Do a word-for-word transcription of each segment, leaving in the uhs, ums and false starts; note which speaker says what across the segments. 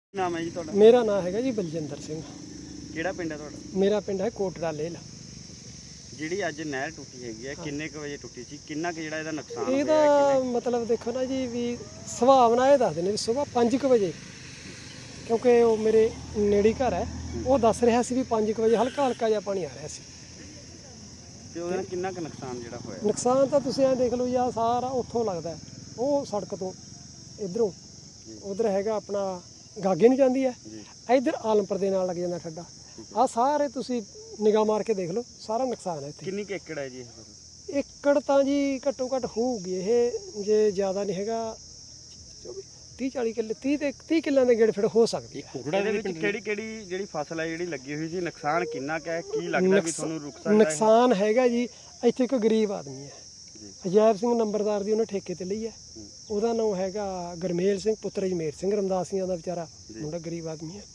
Speaker 1: नाम है जी ਤੁਹਾਡਾ?
Speaker 2: मेरा नाम है जी बलजिंदर सिंह।
Speaker 1: ਕਿਹੜਾ ਪਿੰਡ ਹੈ ਤੁਹਾਡਾ?
Speaker 2: मेरा पिंड है कोटड़ा लेल।
Speaker 1: ਜਿਹੜੀ ਅੱਜ ਨਹਿਰ ਟੁੱਟੀ ਹੈਗੀ ਹੈ ਕਿੰਨੇ ਕੁ ਵਜੇ ਟੁੱਟੀ ਸੀ, ਕਿੰਨਾ ਕੁ ਜਿਹੜਾ ਇਹਦਾ ਨੁਕਸਾਨ ਹੋਇਆ
Speaker 2: ਇਹਦਾ
Speaker 1: ਕਿੰਨੇ
Speaker 2: मतलब देखो ना जी भी ਸੁਭਾਵਨਾ ਇਹ ਦੱਸਦੇ ਨੇ ਵੀ ਸਵੇਰ ਪੰਜ ਕੁ ਵਜੇ, ਕਿਉਂਕਿ ਉਹ ਮੇਰੇ ਨੇੜੇ ਘਰ ਹੈ, ਉਹ ਦੱਸ ਰਿਹਾ ਸੀ ਵੀ ਪੰਜ ਕੁ ਵਜੇ ਹਲਕਾ ਹਲਕਾ ਜਿਹਾ ਪਾਣੀ ਆ ਰਿਹਾ ਸੀ।
Speaker 1: ਤੇ ਉਹਦੇ ਨਾਲ ਕਿੰਨਾ ਕੁ ਨੁਕਸਾਨ ਜਿਹੜਾ ਹੋਇਆ?
Speaker 2: ਨੁਕਸਾਨ ਤਾਂ ਤੁਸੀਂ ਐਂ ਦੇਖ ਲਓ ਜੀ, ਆਹ ਸਾਰਾ ਉੱਥੋਂ ਲੱਗਦਾ ਉਹ ਸੜਕ ਤੋਂ ਇਧਰੋਂ ਉਧਰ ਹੈਗਾ ਆਪਣਾ ਗਾਗੇ ਨੂੰ ਜਾਂਦੀ ਹੈ, ਇਧਰ ਆਲਮਪੁਰ ਦੇ ਨਾਲ ਲੱਗ ਜਾਂਦਾ ਠੱਡਾ। ਆਹ ਸਾਰੇ ਤੁਸੀਂ ਨਿਗਾਹ ਮਾਰ ਕੇ ਦੇਖ ਲਓ, ਸਾਰਾ ਨੁਕਸਾਨ ਹੈ ਇੱਥੇ।
Speaker 1: ਕਿੰਨੀ ਕੁ ਏਕੜ ਹੈ ਜੀ ਇਹ?
Speaker 2: ਏਕੜ ਤਾਂ ਜੀ ਘੱਟੋ ਘੱਟ ਹੋਊਗੀ ਇਹ, ਜੇ ਜ਼ਿਆਦਾ ਨਹੀਂ ਹੈਗਾ ਤੀਹ ਚਾਲੀ ਕਿੱਲੇ, ਤੀਹ ਤੇ ਤੀਹ ਕਿੱਲਿਆਂ ਦੇ ਗੇੜ ਫਿਰ ਹੋ ਸਕਦੀ ਹੈ।
Speaker 1: ਇਹਦੇ ਵਿੱਚ ਕਿਹੜੀ ਕਿਹੜੀ ਜਿਹੜੀ ਫਸਲ ਹੈ ਜਿਹੜੀ ਲੱਗੀ ਹੋਈ ਸੀ, ਨੁਕਸਾਨ ਕਿੰਨਾ ਕੁ ਹੈ, ਕੀ ਲੱਗਦਾ ਵੀ ਤੁਹਾਨੂੰ ਰੁਕ ਸਕਦਾ ਹੈ?
Speaker 2: ਨੁਕਸਾਨ ਹੈਗਾ ਜੀ, ਇੱਥੇ ਇੱਕ ਗਰੀਬ ਆਦਮੀ ਹੈ, ਅਜੈਬ ਸਿੰਘ ਨੰਬਰਦਾਰ ਦੀ ਉਹਨੇ ਠੇਕੇ ਤੇ ਲਈ ਹੈ। ਉਹਦਾ ਨਾਮ ਹੈਗਾ ਗਰਮੇਲ ਸਿੰਘ ਪੁੱਤਰ ਜਮੇਰ ਸਿੰਘ ਰਮਦਾਸੀਆਂ ਦਾ ਵਿਚਾਰਾ ਮੁੰਡਾ, ਗਰੀਬ ਆਦਮੀ ਹੈ।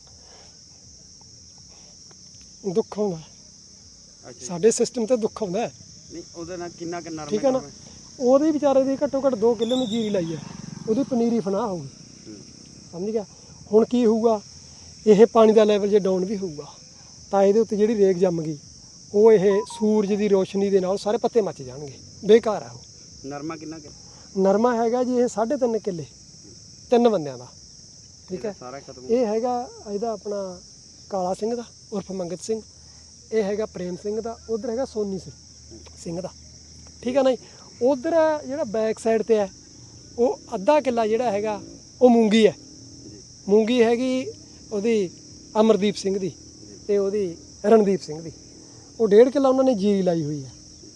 Speaker 2: ਦੁੱਖ ਆਉਂਦਾ ਸਾਡੇ ਸਿਸਟਮ ਤੇ, ਦੁੱਖ ਆਉਂਦਾ।
Speaker 1: ਨਹੀਂ ਉਹਦੇ ਨਾਲ ਕਿੰਨਾ ਕੁ ਨਰਮ
Speaker 2: ਠੀਕ ਹੈ ਨਾ, ਉਹਦੇ ਵਿਚਾਰੇ ਦੀ ਘੱਟੋ ਘੱਟ ਦੋ ਕਿੱਲੇ ਨੂੰ ਜੀਰੀ ਲਾਈ ਹੈ, ਉਹਦੀ ਪਨੀਰੀ ਫਨਾਹ ਹੋਊਗੀ, ਸਮਝ ਗਿਆ। ਹੁਣ ਕੀ ਹੋਊਗਾ, ਇਹ ਪਾਣੀ ਦਾ ਲੈਵਲ ਜੇ ਡਾਊਨ ਵੀ ਹੋਊਗਾ ਤਾਂ ਇਹਦੇ ਉੱਤੇ ਜਿਹੜੀ ਰੇਗ ਜੰਮ ਗਈ, ਉਹ ਇਹ ਸੂਰਜ ਦੀ ਰੋਸ਼ਨੀ ਦੇ ਨਾਲ ਸਾਰੇ ਪੱਤੇ ਮੱਚ ਜਾਣਗੇ, ਬੇਕਾਰ ਆ ਉਹ।
Speaker 1: ਨਰਮਾ ਕਿੰਨਾ ਕੁ?
Speaker 2: ਨਰਮਾ ਹੈਗਾ ਜੀ ਇਹ ਸਾਢੇ ਤਿੰਨ ਕਿੱਲੇ, ਤਿੰਨ ਬੰਦਿਆਂ ਦਾ, ਠੀਕ ਹੈ।
Speaker 1: ਸਾਰਾ ਖਤਮ।
Speaker 2: ਇਹ ਹੈਗਾ ਇਹਦਾ ਆਪਣਾ ਕਾਲਾ ਸਿੰਘ ਦਾ ਉਰਫ ਮੰਗਤ ਸਿੰਘ, ਇਹ ਹੈਗਾ ਪ੍ਰੇਮ ਸਿੰਘ ਦਾ, ਉਧਰ ਹੈਗਾ ਸੋਨੀ ਸਿੰਘ ਦਾ, ਠੀਕ ਹੈ ਨਾ ਜੀ। ਉਧਰ ਜਿਹੜਾ ਬੈਕ ਸਾਈਡ ਤੇ ਹੈ ਉਹ ਅੱਧਾ ਕਿੱਲਾ ਜਿਹੜਾ ਹੈਗਾ ਉਹ ਮੂੰਗੀ ਹੈ, ਮੂੰਗੀ ਹੈਗੀ ਉਹਦੀ ਅਮਰਦੀਪ ਸਿੰਘ ਦੀ ਤੇ ਉਹਦੀ ਰਣਦੀਪ ਸਿੰਘ ਦੀ। ਉਹ ਡੇਢ ਕਿੱਲਾ ਉਹਨਾਂ ਨੇ ਜੀਰੀ ਲਾਈ ਹੋਈ ਹੈ,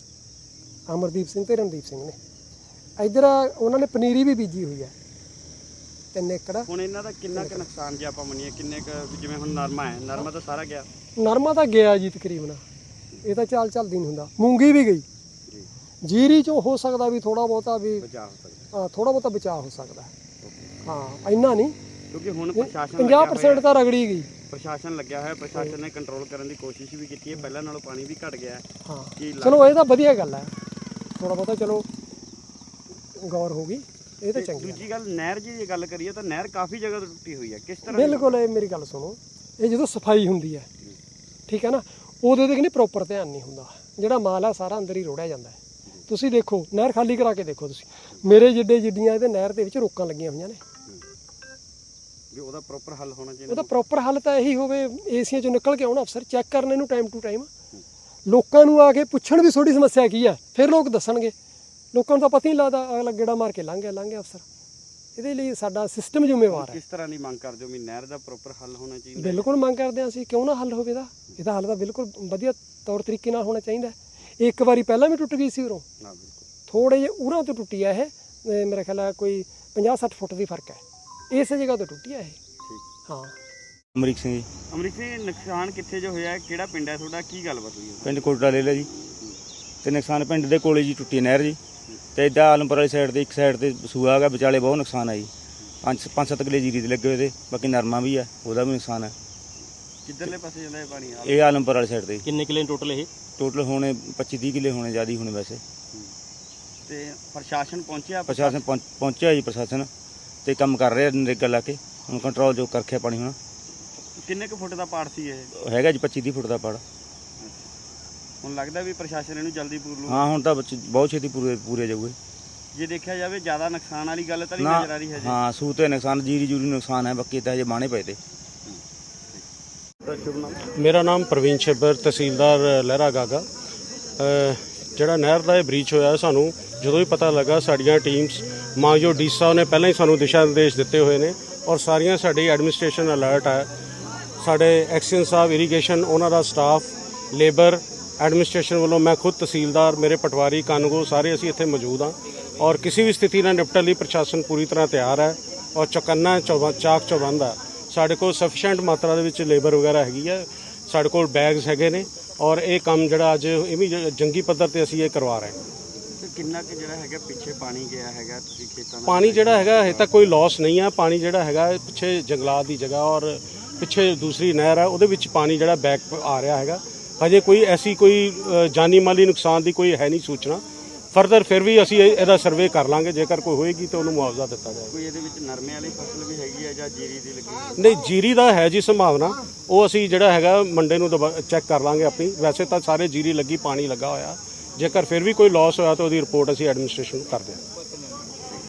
Speaker 2: ਅਮਰਦੀਪ ਸਿੰਘ ਤੇ ਰਣਦੀਪ ਸਿੰਘ ਨੇ। ਇੱਧਰ ਉਹਨਾਂ ਨੇ ਪਨੀਰੀ ਵੀ ਬੀਜੀ ਹੋਈ ਹੈ, ਤਿੰਨ ਏਕੜ।
Speaker 1: ਹੁਣ ਇਹਨਾਂ ਦਾ ਕਿੰਨਾ ਕੁ ਨੁਕਸਾਨ ਜੇ ਆਪਾਂ ਮੰਨੀਏ, ਕਿੰਨੇ ਕੁ, ਜਿਵੇਂ ਹੁਣ ਨਰਮਾ ਹੈ, ਨਰਮਾ ਤਾਂ ਸਾਰਾ ਗਿਆ?
Speaker 2: ਨਰਮਾ ਤਾਂ ਗਿਆ ਜੀ ਤਕਰੀਬਨ, ਇਹ ਤਾਂ ਚਾਲ ਚੱਲਦੀ ਨਹੀਂ ਹੁੰਦਾ। ਮੂੰਗੀ ਵੀ ਗਈ, ਜੀਰੀ ਚੋਂ ਹੋ ਸਕਦਾ ਵੀ ਥੋੜਾ ਬਹੁਤਾ ਵੀ
Speaker 1: ਬਚਾਅ ਹੋ ਸਕਦਾ,
Speaker 2: ਹਾਂ ਥੋੜਾ ਬਹੁਤਾ ਬਚਾਅ ਹੋ ਸਕਦਾ, ਹਾਂ ਇੰਨਾ ਨਹੀਂ,
Speaker 1: ਕਿਉਂਕਿ ਹੁਣ ਪ੍ਰਸ਼ਾਸਨ
Speaker 2: ਪੰਜਾਹ ਪ੍ਰਸੈਂਟ ਤਾਂ ਰਗੜੀ ਗਈ।
Speaker 1: ਪ੍ਰਸ਼ਾਸਨ ਲੱਗਿਆ ਹੋਇਆ, ਪ੍ਰਸ਼ਾਸਨ ਨੇ ਕੰਟਰੋਲ ਕਰਨ ਦੀ ਕੋਸ਼ਿਸ਼ ਵੀ ਕੀਤੀ ਹੈ, ਪਹਿਲਾਂ ਨਾਲੋਂ ਪਾਣੀ ਵੀ ਘਟ ਗਿਆ।
Speaker 2: ਹਾਂ
Speaker 1: ਕੀ
Speaker 2: ਚਲੋ ਇਹ ਤਾਂ ਵਧੀਆ ਗੱਲ ਹੈ, ਥੋੜਾ ਬਹੁਤਾ ਚਲੋ ਗੌਰ ਹੋ ਗਈ, ਇਹ ਤਾਂ ਚੰਗੀ।
Speaker 1: ਦੂਜੀ ਗੱਲ, ਨਹਿਰ ਜੀ ਦੀ ਗੱਲ ਕਰੀਏ ਤਾਂ ਨਹਿਰ ਕਾਫੀ ਜਗ੍ਹਾ ਤੋਂ ਟੁੱਟੀ ਹੋਈ ਹੈ, ਕਿਸ ਤਰ੍ਹਾਂ?
Speaker 2: ਬਿਲਕੁਲ, ਇਹ ਮੇਰੀ ਗੱਲ ਸੁਣੋ, ਇਹ ਜਦੋਂ ਸਫਾਈ ਹੁੰਦੀ ਹੈ, ਠੀਕ ਹੈ ਨਾ, ਉਹਦੇ ਤੇ ਕਿ ਨਹੀਂ ਪ੍ਰੋਪਰ ਧਿਆਨ ਨਹੀਂ ਹੁੰਦਾ, ਜਿਹੜਾ ਮਾਲ ਆ ਸਾਰਾ ਅੰਦਰ ਹੀ ਰੋੜਿਆ ਜਾਂਦਾ ਹੈ। ਤੁਸੀਂ ਦੇਖੋ ਨਹਿਰ ਖਾਲੀ ਕਰਾ ਕੇ ਦੇਖੋ ਤੁਸੀਂ, ਮੇਰੇ ਜਿੱਡੇ ਜਿੱਡੀਆਂ ਇਹਦੇ ਨਹਿਰ ਦੇ ਵਿੱਚ ਰੋਕਾਂ ਲੱਗੀਆਂ ਹੋਈਆਂ ਨੇ।
Speaker 1: ਵੀ ਉਹਦਾ ਪ੍ਰੋਪਰ ਹੱਲ ਹੋਣਾ ਚਾਹੀਦਾ।
Speaker 2: ਉਹਦਾ ਪ੍ਰੋਪਰ ਹੱਲ ਤਾਂ ਇਹੀ ਹੋਵੇ, ਏਸੀਆਂ ਚੋਂ ਨਿਕਲ ਕੇ ਆਉਣ ਅਫਸਰ, ਚੈੱਕ ਕਰਨ ਇਹਨੂੰ ਟਾਈਮ ਟੂ ਟਾਈਮ, ਲੋਕਾਂ ਨੂੰ ਆ ਕੇ ਪੁੱਛਣ ਵੀ ਤੁਹਾਡੀ ਸਮੱਸਿਆ ਕੀ ਹੈ, ਫਿਰ ਲੋਕ ਦੱਸਣਗੇ। ਲੋਕਾਂ ਨੂੰ ਤਾਂ ਪਤਾ ਹੀ ਨਹੀਂ ਲੱਗਦਾ, ਅਗਲਾ ਗੇੜਾ ਮਾਰ ਕੇ ਲੰਘ ਗਿਆ ਲੰਘ ਗਿਆ ਅਫਸਰ। ਇਹਦੇ ਲਈ ਸਾਡਾ ਸਿਸਟਮ ਜ਼ਿੰਮੇਵਾਰ ਹੈ।
Speaker 1: ਕਿਸ ਤਰ੍ਹਾਂ ਦੀ ਮੰਗ ਕਰਦੇ ਹੋ ਵੀ ਨਹਿਰ ਦਾ ਪ੍ਰੋਪਰ ਹੱਲ ਹੋਣਾ ਚਾਹੀਦਾ?
Speaker 2: ਬਿਲਕੁਲ ਮੰਗ ਕਰਦੇ ਹਾਂ ਅਸੀਂ, ਕਿਉਂ ਨਾ ਹੱਲ ਹੋਵੇ ਇਹਦਾ, ਇਹਦਾ ਹੱਲ ਤਾਂ ਬਿਲਕੁਲ ਵਧੀਆ ਤੌਰ ਤਰੀਕੇ ਨਾਲ ਹੋਣਾ ਚਾਹੀਦਾ। ਇੱਕ ਵਾਰੀ ਪਹਿਲਾਂ ਵੀ ਟੁੱਟ ਗਈ ਸੀ ਉਰੋਂ, ਥੋੜੇ ਜਿਹੇ ਉਰਾਂ ਤੋਂ ਟੁੱਟੀ ਆ ਇਹ, ਮੇਰਾ ਖਿਆਲ ਹੈ ਕੋਈ ਪੰਜਾਹ ਸੱਠ ਫੁੱਟ ਦੀ ਫਰਕ ਹੈ, ਇਸੇ ਜਗ੍ਹਾ ਤੋਂ ਟੁੱਟੀ ਆ ਇਹ। ਹਾਂ।
Speaker 3: ਅਮਰੀਕ ਸਿੰਘ ਜੀ।
Speaker 1: ਅਮਰੀਕ ਸਿੰਘ, ਨੁਕਸਾਨ ਕਿੱਥੇ ਜੋ ਹੋਇਆ, ਕਿਹੜਾ ਪਿੰਡ ਹੈ ਤੁਹਾਡਾ, ਕੀ ਗੱਲਬਾਤ ਹੋਈ ਹੈ?
Speaker 3: ਪਿੰਡ ਕੋਟੜਾ ਲੈ ਲਿਆ ਜੀ, ਤੇ ਨੁਕਸਾਨ ਪਿੰਡ ਦੇ ਕੋਲੇ ਜੀ ਟੁੱਟੀ ਨਹਿਰ ਜੀ, ਤੇ ਇੱਦਾਂ ਆਲਮਪੁਰ ਵਾਲੀ ਸਾਈਡ ਤੇ ਇੱਕ ਸਾਈਡ ਤੇ ਸੂਆ ਹੈਗਾ, ਵਿਚਾਲੇ ਬਹੁਤ ਨੁਕਸਾਨ ਆ ਜੀ। ਪੰਜ ਪੰਜ ਸੱਤ ਕਿੱਲੇ ਜੀਰੀ ਦੇ ਲੱਗੇ ਹੋਏ ਤੇ, ਬਾਕੀ ਨਰਮਾ ਵੀ ਹੈ, ਉਹਦਾ ਵੀ ਨੁਕਸਾਨ ਹੈ।
Speaker 1: ਕਿੱਧਰਲੇ ਪਾਸੇ ਜਾਂਦਾ ਇਹ ਪਾਣੀ?
Speaker 3: ਇਹ ਆਲਮਪੁਰ ਵਾਲੀ ਸਾਈਡ ਤੇ।
Speaker 4: ਕਿੰਨੇ ਕਿੱਲੇ ਟੋਟਲ ਇਹ?
Speaker 3: ਟੋਟਲ ਹੋਣੇ ਪੱਚੀ ਤੀਹ ਕਿੱਲੇ ਹੋਣੇ, ਜ਼ਿਆਦਾ ਹੀ ਹੋਣੇ ਵੈਸੇ।
Speaker 1: ਤੇ ਪ੍ਰਸ਼ਾਸਨ ਪਹੁੰਚਿਆ?
Speaker 3: ਪ੍ਰਸ਼ਾਸਨ ਪਹੁੰਚ ਪਹੁੰਚਿਆ ਜੀ, ਪ੍ਰਸ਼ਾਸਨ ਤੇ ਕੰਮ ਕਰ ਰਿਹਾ ਨਰੇਗਾ ਲਾ ਕੇ, ਹੁਣ ਕੰਟਰੋਲ ਜੋ ਕਰ ਰੱਖਿਆ ਪਾਣੀ। ਹੁਣ
Speaker 1: ਕਿੰਨੇ ਕੁ ਫੁੱਟ ਦਾ ਪਾੜ ਸੀ ਇਹ?
Speaker 3: ਹੈਗਾ ਜੀ ਪੱਚੀ ਤੀਹ ਫੁੱਟ ਦਾ ਪਾੜ।
Speaker 1: ਹੁਣ ਲੱਗਦਾ ਵੀ ਪ੍ਰਸ਼ਾਸਨ ਇਹਨੂੰ ਜਲਦੀ ਪੂਰ ਲੂ?
Speaker 3: ਹਾਂ ਹੁਣ ਤਾਂ ਬਹੁਤ ਛੇਤੀ ਪੂਰੇ ਪੂਰੇ ਜਾਊਗੇ।
Speaker 1: ਜੇ ਦੇਖਿਆ ਜਾਵੇ ਜ਼ਿਆਦਾ ਨੁਕਸਾਨ ਵਾਲੀ ਗੱਲ ਤਾਂ ਨਹੀਂ ਨਜ਼ਰ ਆ ਰਹੀ ਹੈ ਜੀ?
Speaker 3: ਹਾਂ ਸੂ ਤੇ ਨੁਕਸਾਨ, ਜੀਰੀ ਜੂਰੀ ਨੁਕਸਾਨ ਹੈ, ਬਾਕੀ ਤਾਂ ਹਜੇ ਬਾਣੇ ਪਏ ਤੇ।
Speaker 4: ਮੇਰਾ ਨਾਮ ਪ੍ਰਵੀਨ ਛੱਬਰ, ਤਹਿਸੀਲਦਾਰ ਲਹਿਰਾ ਗਾਗਾ। ਜਿਹੜਾ ਨਹਿਰ ਦਾ ਇਹ ਬ੍ਰੀਚ ਹੋਇਆ, ਸਾਨੂੰ ਜਦੋਂ ਵੀ ਪਤਾ ਲੱਗਾ, ਸਾਡੀਆਂ ਟੀਮਸ ਮਾਂਜੋ ਡੀ ਸਾਹਿਬ ਨੇ ਪਹਿਲਾਂ ਹੀ ਸਾਨੂੰ ਦਿਸ਼ਾ ਨਿਰਦੇਸ਼ ਦਿੱਤੇ ਹੋਏ ਨੇ, ਔਰ ਸਾਰੀਆਂ ਸਾਡੀ ਐਡਮਿਨਿਸਟ੍ਰੇਸ਼ਨ ਅਲਰਟ ਹੈ। ਸਾਡੇ ਐਕਸੀਅਨ ਸਾਹਿਬ ਇਰੀਗੇਸ਼ਨ, ਉਹਨਾਂ ਦਾ ਸਟਾਫ, ਲੇਬਰ, ਐਡਮਿਨਿਸਟ੍ਰੇਸ਼ਨ ਵੱਲੋਂ, ਮੈਂ ਖੁਦ ਤਹਿਸੀਲਦਾਰ, ਮੇਰੇ ਪਟਵਾਰੀ ਕਾਨੂੰਗੋ, ਸਾਰੇ ਅਸੀਂ ਇੱਥੇ ਮੌਜੂਦ ਹਾਂ। ਔਰ ਕਿਸੇ ਵੀ ਸਥਿਤੀ ਨਾਲ ਨਿਪਟਣ ਲਈ ਪ੍ਰਸ਼ਾਸਨ ਪੂਰੀ ਤਰ੍ਹਾਂ ਤਿਆਰ ਹੈ, ਔਰ ਚੌਕੰਨਾ ਚੌ ਚਾਕ ਚੌਬੰਦ ਹੈ। ਸਾਡੇ ਕੋਲ ਸਫੀਸ਼ੀਐਂਟ ਮਾਤਰਾ ਦੇ ਵਿੱਚ ਲੇਬਰ ਵਗੈਰਾ ਹੈਗੀ ਹੈ, ਸਾਡੇ ਕੋਲ ਬੈਗਸ ਹੈਗੇ ਨੇ, ਔਰ ਇਹ ਕੰਮ ਜਿਹੜਾ ਅੱਜ ਇਹ ਵੀ ਜੰਗੀ ਪੱਧਰ ਤੇ ਅਸੀਂ ਇਹ ਕਰਵਾ ਰਹੇ ਹਾਂ।
Speaker 1: ਕਿੰਨਾ ਕਿ ਜਿਹੜਾ ਹੈਗਾ ਪਿੱਛੇ ਪਾਣੀ ਗਿਆ ਹੈਗਾ, ਤੁਸੀਂ ਖੇਤਾਂ ਦਾ
Speaker 4: ਪਾਣੀ ਜਿਹੜਾ ਹੈਗਾ ਇਹ ਤਾਂ ਕੋਈ ਲਾਸ ਨਹੀਂ ਹੈ। ਪਾਣੀ ਜਿਹੜਾ ਹੈਗਾ ਪਿੱਛੇ ਜੰਗਲਾਤ ਦੀ ਜਗ੍ਹਾ ਔਰ ਪਿੱਛੇ ਦੂਸਰੀ ਨਹਿਰ ਹੈ, ਉਹਦੇ ਵਿੱਚ ਪਾਣੀ ਜਿਹੜਾ ਬੈਕ ਆ ਰਿਹਾ ਹੈਗਾ। ਹਜੇ ਕੋਈ ਐਸੀ ਕੋਈ ਜਾਨੀ ਮਾਲੀ ਨੁਕਸਾਨ ਦੀ ਕੋਈ ਹੈ ਨਹੀਂ ਸੂਚਨਾ। ਫਰਦਰ ਫਿਰ ਵੀ ਅਸੀਂ ਇਹ- ਇਹਦਾ ਸਰਵੇ ਕਰ ਲਾਂਗੇ, ਜੇਕਰ ਕੋਈ ਹੋਏਗੀ ਤਾਂ ਉਹਨੂੰ ਮੁਆਵਜ਼ਾ ਦਿੱਤਾ ਜਾਏਗਾ।
Speaker 1: ਕੋਈ ਇਹਦੇ ਵਿੱਚ ਨਰਮੇ ਵਾਲੀ ਫਸਲ ਵੀ ਹੈਗੀ ਹੈ ਜਾਂ ਜੀਰੀ ਦੀ ਲੱਗੀ?
Speaker 4: ਨਹੀਂ, ਜੀਰੀ ਦਾ ਹੈ ਜੀ ਸੰਭਾਵਨਾ, ਉਹ ਅਸੀਂ ਜਿਹੜਾ ਹੈਗਾ ਮੰਡੇ ਨੂੰ ਚੈੱਕ ਕਰ ਲਾਂਗੇ ਆਪਣੀ। ਵੈਸੇ ਤਾਂ ਸਾਰੇ ਜੀਰੀ ਲੱਗੀ, ਪਾਣੀ ਲੱਗਾ ਹੋਇਆ, ਜੇਕਰ ਫਿਰ ਵੀ ਕੋਈ ਲਾਸ ਹੋਇਆ ਤਾਂ ਉਹਦੀ ਰਿਪੋਰਟ ਅਸੀਂ ਐਡਮਿਨਿਸਟ੍ਰੇਸ਼ਨ ਨੂੰ ਕਰ ਦਿਆਂਗੇ।